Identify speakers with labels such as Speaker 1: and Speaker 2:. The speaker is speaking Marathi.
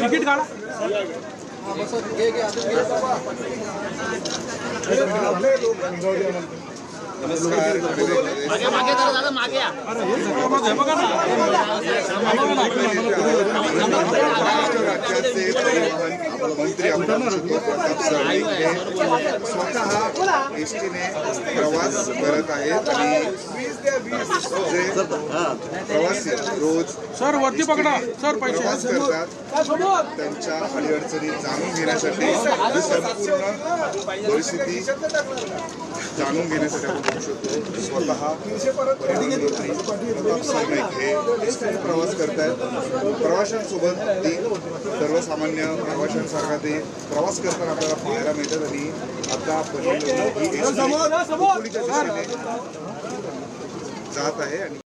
Speaker 1: तिकीट काढा.
Speaker 2: नमस्कार.
Speaker 3: मागे दादा मागे या.
Speaker 2: राज्याचे परिवहन मंत्री आमदार प्रताप सरनाईक हे स्वतः एसटीने प्रवास करत आहेत आणि जे प्रवासी रोज
Speaker 1: सर वरती पकडा सर पैसे
Speaker 2: प्रवास करतात त्यांच्या अडीअडचणी जाणून घेण्यासाठी ही संपूर्ण परिस्थिती जाणून घेण्यासाठी आपण बघू शकतो. स्वतः परिवहन मंत्री प्रताप सरनाईक हे एसटीने प्रवास करतायत. प्रवाशांसोबत ते सर्वसामान्य प्रवाशांसारखा ते प्रवास करताना आपल्याला पाहायला मिळतात आणि आता ही एसटी खोलीच्या दिशेने जात आहे आणि